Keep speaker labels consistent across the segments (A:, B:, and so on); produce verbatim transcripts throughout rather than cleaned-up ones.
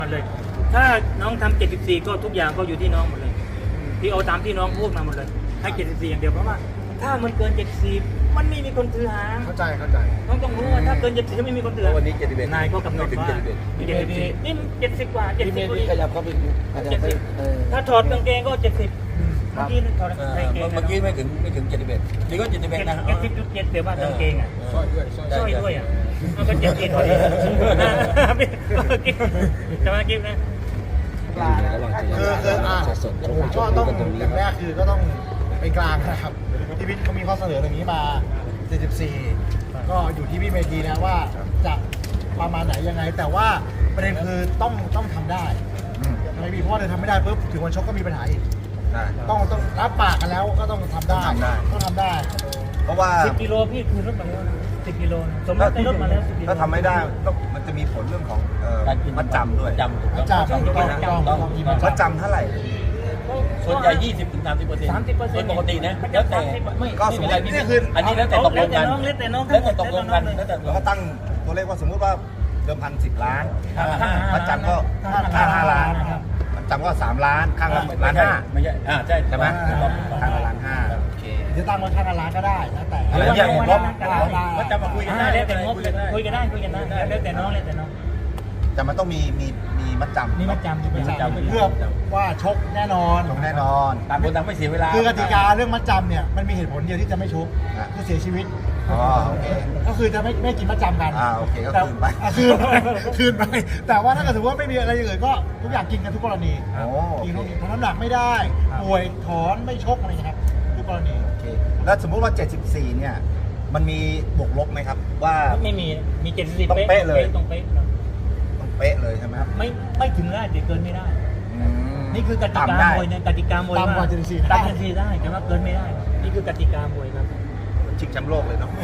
A: เลยถ้าน้องทำเจ็ดสิบสี่ก็ทุกอย่างก็อยู่ที่น้องหมดเลยพี่เอาตามที่น้องพูดมาหมดเลยให้เจ็ดสิบสี่อย่างเดียวเพราะว่าถ้ามันเกินเจ็ดสิบมันไม่มีคนถือหาง
B: เข้าใจเข้าใจ
A: น้องต้องรู้ว่าถ้าเกินเจ็ดสิบไม่มีคนถือหาง
C: วันนี้เจ็ดสิบเอ็ด
A: นายก็กำหนดว่าเจ็ดสิบสี่นี่เจ็ดสิบกว่าเจ็ดสิบกว่า
C: ขยับเข้าไปขยับ
A: เจ็ด
C: ไป
A: สิบถ้าถอดกางเกงก็เจ็ดสิบเมื่อกี้ถอดกางเกง
C: เมื่อกี้ไม่ถึงไม่ถึงเจ็ดสิบเอ็ดนี่ก็เจ็ดสิบเอ็ดนะ
A: เจ็ดสิบจุดเจ็ดเดี๋ยวว่ากางเกงอ่ะ
B: ช่วยด้วยช่วย
A: ช่วยด้วยอ่ะมันก็เจ็ดสิบพอดีจะมากินนะ
B: คือคืออ่ะผมก็ต้องอย่างแรกคือก็ต้องเป็นกลางนะครับที่วิทย์เขามีข้อเสนอตรงนี้มาเจ็ดสิบสี่ก็อยู่ที่พี่เมธีนะว่าจะประมาณไหนยังไง แต่ว่าประเด็นคือต้องต้องทำได้ไม่มีเพราะว่าเดินทำไม่ได้ปุ๊บถึงวันชกก็มีปัญหาอีกต้องต้องรับปากกันแล้วก็ต้องทำได้ต้องทำได้
D: เพราะว่า
A: สิบกิโลพี่คืนรถมาแล้วสิบกิโลสมมติได้รถมาแล้วสิบกิโล
D: ถ้าทำไม่ได้ต้องมันจะมีผลเรื่องของเอ่อมัดจำด้วย
C: จำถูก
B: อา
C: ต้อง
B: จารย์ต้องต้องต้องต้อง
D: มัดจำเท่าไหร่
C: ส่วนใหญ่ยี่สิบถึงสามสิบเปอร์เซ็นต์
A: สามสิบเปอร์เซ็นต์
C: ปกตินะแล้วแต่ไม่
D: ก็
C: ไม่
D: สม
C: เป็น
D: ม
C: ไร
D: ติ
C: พี่
D: นี่คือ
C: อันนี้แล้วแต่ตกลงกัน
A: แล้วแต่น้อง
C: แล้วแต่ตกลงกันแล้วแต่
D: เราก็ตั้งตัวเลขว่าสมมุติว่าเดิมพันสิบล้าน
C: ห้าห้า
D: มัดจำก็ห้าห้าล้านมัดจำก็สามล้านข้างละล้านห้า
C: ไม่ใช่อ่าใช่
D: ใช่ไหม
C: ถูกต้อง
D: ข้างละล้านห้าโอเค
B: จะตั้งไว้ข้างร้านก็ได้แล้วแต่
D: อะไรอย่างเงี้ยผม
C: มัดจำมาคุยกันได้
A: แล้วแต่งบคุยกันได้คุยกันได้แล้วแต่น้องแล้วแต่น้อง
D: แต่มันต้องมีมีมีมัดจำ
A: นี่มัดจำ
B: เป็นจำเพื่อว่าชกแน่นอน
D: ตรงแน่นอน
C: ต่างคนต่างไม่เสียเวลา
B: คือกติกาเรื่องมัดจำเนี่ยมันมีเหตุผลเดียวที่จะไม่ชก
D: อ่ะ
B: คือเสียชีวิต
D: อ๋อโอเค
B: ก็คือจะไม่ไม่กินมัดจำกัน
D: อ่าโอเคก็
B: แต่
D: คืนไป
B: อ่ะคืนไปคืนไปแต่ว่าถ้าเกิดถือว่าไม่มีอะไรอย่างอื่นก็ทุกอย่างกินกันทุกกรณี
D: โอ้โอ
B: กิน
D: เค
B: ทุกอย่างทำน้ำหนักไม่ได้ป่วยถอนไม่ชกอะไรอย่างเงี้ยครับทุกกรณี
D: โอเคแล้วสมมุติว่าเจ็ดสิบสี่เนี่ยมันมีบวกลบไหมครับว่า
A: ไม่มีมีเจ็ดสิบ
D: ต้องเป๊ะเลย
A: ต้องเป๊ะ
D: ต้องเป๊ะเลยใช่ไหมครับ
A: ไม่ไม่ถึงได้แต่เกินไม่ได้
D: อืม
A: นี่คือกติกา
D: ต่ำได้
A: มวยนะกติกามวย
B: ตามกว่าเจ็ดสิบสี่
A: ตามเจ็ดสิบสี่ได้แต่ว่าเกินไม่ได้ นี่คือกติกามวยครับ
D: ชิงแชมป์โลกเลยเนาะ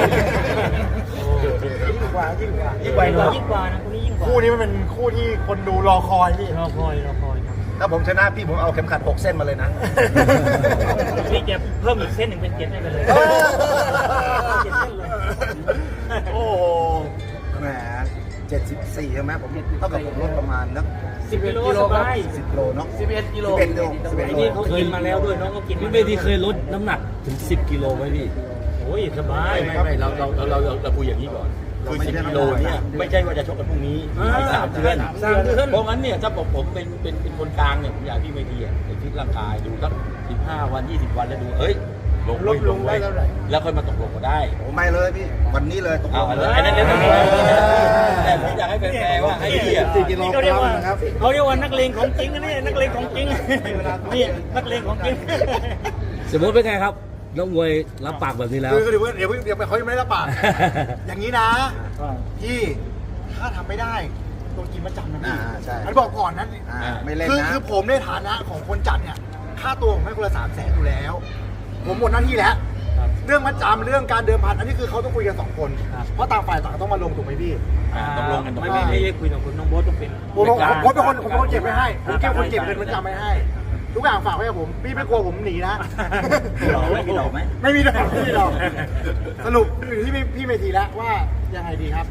B: ยิ่งกว่ายิ่งกว่า
A: ยิ่งกว่ายิ่งกว่านะคนนี้ยิ่งกว่า
B: คู่นี้มันเป็นคู่ที่คนดูรอคอยพี่
A: รอคอยรอคอยครับ
D: ถ้าผมชนะพี่ผมเอาเข็มขัดหกเส้นมาเลยนะ
A: พี่จะเพิ่มอีกเส้นหนึ่งเป็นเจ็ดให้ไปเลย
D: เออ
A: เจ็ดเส้นเลย
D: โอ้โหแหมเจ็ดสิบสี่ใช่ไหมผมเท่ากับผมลดประมาณนัก
A: สิบกิโลสบาย
D: สิบโลเนาะ
C: สิบเอ็ดกิโล
D: สิบเอ็ดโลสิบเอ็ด
A: ไอ้
D: โล
A: นี่เขากินมาแล้วด้วยน้องก็กิน
E: พี่เมธีเคยลดน้ำหนักถึงสิบกิโลไหมพี่
A: โอ้ยสบาย
E: ไม่ไม่เราเราเราเราเราคุยอย่างนี้ก่อน คือสิบกิโลเนี่ยไม่ใช่ว่าจะชกกันพรุ่งนี้
A: อ่า
E: สามเดือน
A: สามเดือน
E: เพราะงั้นเนี่ยถ้าผมผมเป็นเป็นเป็นคนกลางเนี่ยผมอยากพี่เมธีอ่ะไปฟิตร่างกายดูสักสิบห้าวันยี่สิบวันแล้วดูเอ้ยลง
B: ลดลง
E: ไว้
B: ได้เท่าไหร่
E: แล้วค่อยมาตกลงก็ได้
D: โอ้ไม่เลยพี่วันนี้เลยตกล
E: เอา
D: ง
E: อัน
D: เล
E: นั้น
D: ย
E: อันนั้นเดี๋ยวต้องแต่ผมอยากให้แฟนๆว่าไอ้เหี้ย
D: สี่กิโล
A: เขา
D: ก
A: เรียก
D: รัม
A: ว่า
D: นะครับ
A: เขาเรียกว่านักเลงของจริงนะเนี่ยนักเลงของจริงนี่นักเลงของจริง
E: สมมติเป็นไงครับน้องมวยรับปากแบบนี้แล้ว
B: คือเดี๋ยวเดี๋ยวเดี๋ยวเขายังไม่ได้รับปากอย่างนี้นะพี่ถ้าทำไม่ได้โดนกินมาจำนะพี่
D: อ่าใช่
B: อันบอกก่อนนะ
D: อ่าไม่เล่น
B: คือ
D: นะ
B: คือผมในฐานะของคนจัดเนี่ยค่าตัวผมให้คนละสามแสนอยู่แล้ว ผมหมดหน้าที่แล้ว เรื่องมัดจำเรื่องการเดิมพันอันนี้คือเขาต้องคุยกันสองคน เพราะต่างฝ่ายต่างต้องมาลงถูกไหมพี่
E: ต้องลงกันตรง
A: ไม่
E: นี้
A: ไม่ไม่ได้คุยกับคุณน้องโบ๊ทต้องเป็น
B: ผมผมผมเป็นคนผมเป็นคนเก็บไว้ให้ผมเก็บคนเก็บเงินมัดจำไว้ให้ ทุกอย่างฝากไว้กับผมพี่ไม่กลัวผมหนีนะ
D: ไม่มีดอกไหม
B: ไม่มีดอกไม่มีดอกสรุปอยู่ที่พี่พี่เมธีแล้วว่ายังไงดีครับ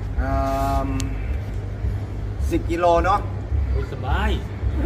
D: สิบกิโลเนาะ
A: โอ้ยสบาย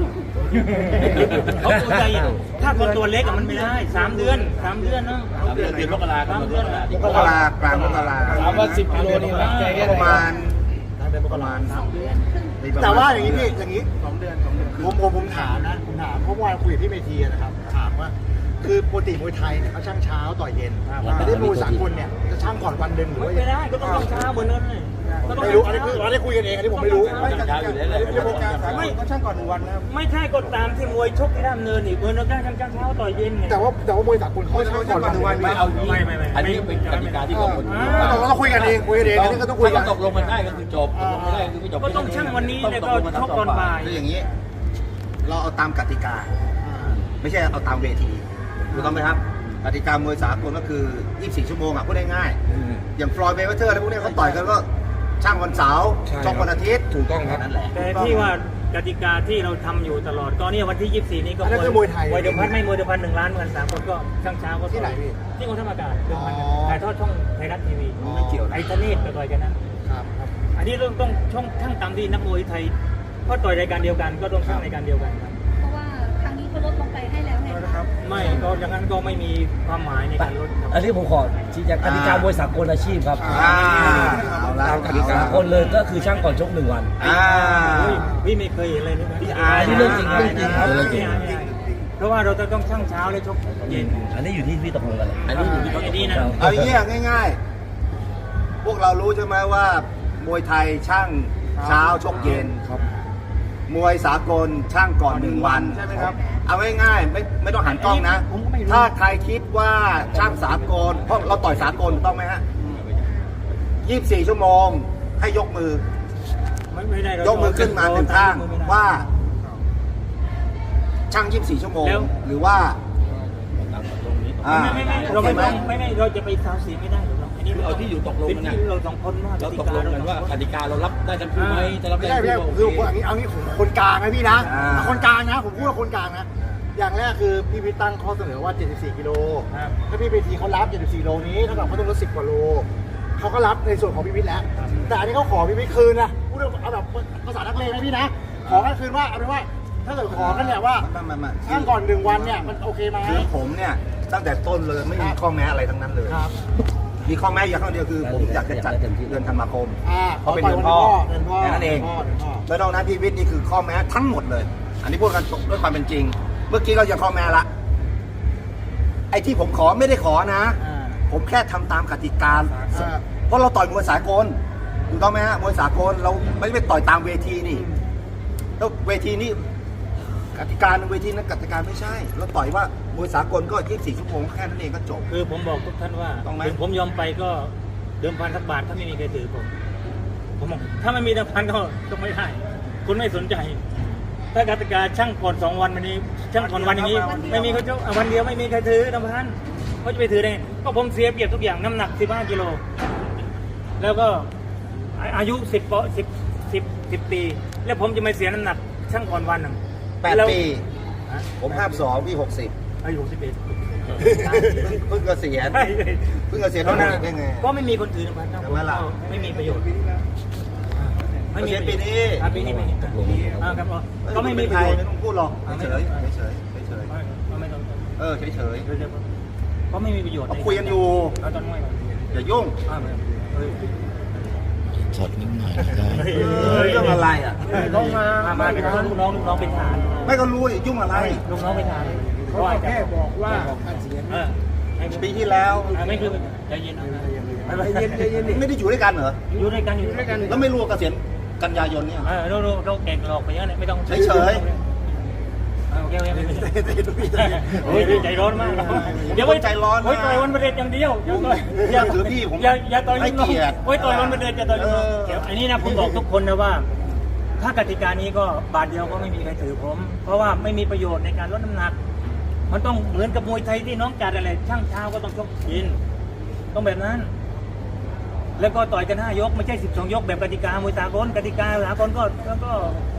A: เขาตัวใหญ่ถ้าคนตัวเล็กอะมันไม่ได้สามเดือนสามเดือนเนาะ
E: สามเดือนเดือนมกราค
A: สาม
E: ม
A: เดือน
D: มกรากลางมกรา
C: ถามว่าสิบกิโลนี่รักใจแค่ไหน
D: ประมาณประมาณ
B: แต่ว่าอย่างนี้พี่อย่างนี้สองเดือนสองเดือนผมผมผมถามนะผมถามเพราะเมื่อวานคุยกับพี่เมธีนะครับถามว่าคือปกติมวยไทยเนี่ยเขาช่างเช้าต่อยเย็นแต่ที่มวยสากลเนี่ยจะช่างก่อนวันหนึ่งหรือว่า
A: ไม่ได้ก็ต้องต้องเช้าเหมือนกันเลยก็ต้อง
B: ไม่รู้อันนี้คืออันนี้คุยกันเองอันนี้ผมไม่รู้
E: ไม่เช้าอยู่แล้วแหละ
B: ไม่โปรแกรมสากลก็ช่างก่อนหนึ่งวันนะครับ
A: ไม่ใช่ก็ตามที่มวยชกที่ด้ามเนินนี่เบอร์นักการช่างเช้าต่อยเย็นไง
B: แต่ว่าแต่ว่ามวยสากลเขาช่างก่อนวันหนึ่งวัน
E: ไม่เอาอย่างนี้
A: ไม่ไม่ไม่
E: อันนี้เป็นกติกาที่เขาคน
B: เราต้องคุยกันเองคุยกันเองอันนี้ก็ต้องคุยกัน
E: ถ้าตกลงกันได้ก็คือจบตกลงไม่ได้ก็คือไม่จบ
A: ก็ต้องช่างวันนี้แล้วก็ชกก่อนบ่าย
D: คืออย่างนี้ เราเอาตามกติกา ไม่ใช่เอาตามเวทีถูกต้องไหมครับกติกามวยสากลก็คือยี่สิบสี่ชั่วโมงอ่ะพูดง่ายๆอย่างฟลอยด์เมเวเทอร์อะไรพวกนี้เขาต่อยกันก็ช่างวันเสาร์ช่องวันอาทิตย์ถูกต้องครับนั่นแหละ
A: แต่ที่ว่ากติกาที่เราทำอยู่ตลอดก็เนี่ยวันที่ยี่สิบสี่นี้ก็
B: อันนั้นคือมวยไทย
A: มวยเดิมพันไม่มวยเดิมพันหนึ่งล้านเหมือนสามคนก็ช่างเช้าก็
B: ที่ไหนพี่
A: ที่กองทัพอากาศเดิมพัน
B: อ๋อ
A: ถ่ายทอดช่องไทยรัฐทีวี
D: ไม่เกี่ยวนะ
A: ไอ้ธเนศไปต่อยกันนะครับ
B: ครับ
A: อันนี้ต้องต้องช่องช่างตามที่นักมวยไทยก็ต่อยรายการเดียวกันก็ต้องสร้างรายการเดียวกันครับ
F: เพราะว่าครั้งนี้เขาลดลงไปให้แล้วไงคะ
A: ไม่ก็อย่างนั้นก็ไม่มีความหมายในการลดครับ
C: อันนี้ผมขอชี้แจงกติกามวยสากลอาชีพครับ
D: อ่าเอาละ
C: ตามกติกาคนเลยก็คือช่างก่อนชกหนึ่งวัน
D: อ่า
A: พี่พี่ไม่เคยเห็นเลยนี่
D: พี่อาย
C: อันนี้เรื่องจริงครับเรื่องจริงครับเรื่องจริง
A: เพราะว่าเราจะต้องช่างเช้าและชกเย็น
C: อันนี้อยู่ที่พี่ตกลงกันเลย
E: อันนี้อยู่ที่เขา
A: ไอ้นี่นะ
D: เอาอย่างเงี้ยง่ายๆ พวกเรารู้ใช่ไหมว่ามวยไทยช่างเช้าชกเย็น
C: ครับ
D: มวยสากลช่างก่อนหนึ่งวัน
B: ใช่ไหมครับ
D: เอาง่ายๆไม่ไม่ต้องหันกล้องนะ
A: ผมก็ไม่รู้
D: ถ้าใครคิดว่าช่างสากลเพราะเราต่อยสากลถูกต้องไหมฮะยี่สิบสี่ชั่วโมงให้ยกมือ
A: ไม่ไม่ได้เรา
D: ยกมือขึ้นมาหนึ่งข้าง
A: ยกมือไม่ได้
D: ว่า ช่างยี่สิบสี่ชั่วโมง
A: แล้ว
D: หรือว่า
E: ตามตรงนี้
D: อ่า
A: ไม่ไม่ไม่เราไม่ต้องไม่ไม่เราจะไปซาวเสียงไม่ได้หรอกอันนี้
E: เอาที่อยู่ตกลง
A: เป็น
E: กันนะ
A: ที่เราสองคนว่า
E: เราตกลงกันว่ากติกาเรารับได้ทั้งคู่ไหมจะรับ
B: ไม่
E: ได้
B: ใช่
E: ทั้ง
B: ไม่ใช่
E: คู่
B: คือผมเอางี้เอางี้ผมคนกลางนะพี่นะ
D: อ่า
B: คนกลางนะ ผมพูดว่าคนกลางนะ อย่างแรกคือพี่พิทตั้งข้อเสนอว่า เจ็ดสิบสี่ กิโล
A: ครับ
B: ถ้าพี่เวทีเขารับ เจ็ดสิบสี่ โลนี้เท่ากับเขาต้องลดสิบกว่าโลเขาก็รับในส่วนของพี่พิทแล้ว แต่อันนี้เขาขอพี่พิทคืนนะพูดเอาแบบภาษานักเลงนะพี่นะ ขอกันคืนว่าเอาเป็นว่า ถ้าเกิดขอกันเนี่ยว่า
D: มามามา
B: ช่างก่อนหนึ่งวันเนี่ยมันโอเคไหม
D: คือผมเนี่ยตั้งแต่ต้นเลยไม่มีข้อแม้อะไรทั้งนั้นเลย
B: ครับ
D: มีข้อแม้อย่างข้อเดียวคือ ผมอยากจะจัดเดือนธันวาคม
B: อ่า
D: เพราะเป็นเดือนพ่อ
B: เดือนพ่อ
D: แค่นั้นเอง
B: ดืพ่ดือนพ่อ
D: แล้วนอกนั้นพี่วิทย์นี่คือข้อแม้ทั้งหมดเลย อันนี้พูดกันด้วยความเป็นจริง เมื่อกี้เรายังข้อแม้ละ ไอ้ที่ผมขอไม่ได้ขอนะ
A: อ่า
D: ผมแค่ทำตามกติกา
B: อ่า
D: เพราะเราต่อยมวยสากลถูกต้องไหมฮะมวยสากลเราไม่ได้ไปต่อยตามเวทีนี่แล้วเวทีนี้กติกาในเวทีนั้นกติกาไม่ใช่ เราต่อยว่ามวยสากลก็ยี่สิบสี่ชั่วโมงแค่นั้นเองก็จบ
A: คือผมบอกทุกท่านว่า
D: ต้องไหม
A: ถึงผมยอมไปก็เดิมพันสักบาทถ้าไม่มีใครถือผม ผมบอกถ้าไม่มีเดิมพันก็ก็ไม่ได้คุณไม่สนใจ ถ้ากติกาช่างก่อนสองวันวันนี้ ช่างก่อนวันอย่างนี้ ไม่มีเขาจะอ่ะวันเดียวไม่มีใครถือเดิมพันเขาจะไปถือได้ไงก็ผมเสียเปรียบทุกอย่างน้ำหนักสิบห้ากิโลแล้วก็อาอายุสิบปสิบสิบสิบปี แล้วผมจะไม่เสียน้ำหนักช่างก่อนวันหนึ่ง
D: แปด
A: ล้ว
D: ปี
A: ฮะ
D: ผมห้าสองพี่หกสิบ
A: อายุสิบเอ็ด
D: เพิ่งเกษียณ
A: ใช่
D: เพิ่งเกษียณ
A: เพราะ
D: เท่า
A: นั้
D: นั้น นได้ไง
A: ก็ไม่มีคนถือนะครับ
D: ทำไมล่ะ
A: ไม่มีประโยชน์
D: เกษียณปีนี้
A: อ่ะปีนี้ไม่อ่าครับก็ไม่มีป
D: ใค
A: ระ
D: ร
A: โยชน์
D: ไม่ต้องพูดหรอกเฉยเฉยเฉย
A: ไม่ต้อง
D: เออเฉยเฉย
A: ก็ไม่มีประโยชน์
D: เราคุยกันอยู่
A: เราต้องไม่
D: อย่ายุ่ง
A: อ่าเฮ้ย
C: ช็อตนิดหน่อยนะครับ
D: เรื่องอะไรอ่ะ
B: ต้องมา
A: มามาเป็นลูกน้องลูกน้องเป็นทหาร
D: ไม่ก็รู้ดิยุ่งอะไร
A: ลูกน้องเป็นทหาร
B: เขาแค่บอกว่า
A: เออ
D: ปีที่แล้ว
A: ไม่คือใจเย็นนะ
B: ใจเย็นใจเย็น
D: ไม่ได้อยู่ด้วยกันเหรอ
A: อยู่ด้วยกันอยู่ด้วยกัน
D: แล้วไม่รู้ว่าเกษียณกันยายนเนี่ย
A: เออเราเราแก่งหลอกไปเยอะเนี่ยไม่ต้อง
D: เฉย
A: โอเคโอเคโอ้ยใจร้อนมากเดี๋ยวไว้ต่อยวันประเด็นอย่างเดียว
D: อย่าถือพี่ผม
A: อย่าอย่าต่อย
D: ให้
A: ลูกน้อง
D: เกียรติ
A: ไว้ต่อยวันประเด็นจะต่อยลูกน้อง
D: เออ
A: เดี๋ยวอันนี้นะผมบอกทุกคนนะว่า ถ้ากติกานี้ก็บาทเดียวก็ไม่มีใครถือผม เพราะว่าไม่มีประโยชน์ในการลดน้ำหนัก มันต้องเหมือนกับมวยไทยที่น้องจัดอะไรช่างเช้าก็ต้องชกยินต้องแบบนั้น แล้วก็ต่อยกันห้ายกไม่ใช่สิบสองยกแบบกติกามวยสากลกติกาสากลก็ก็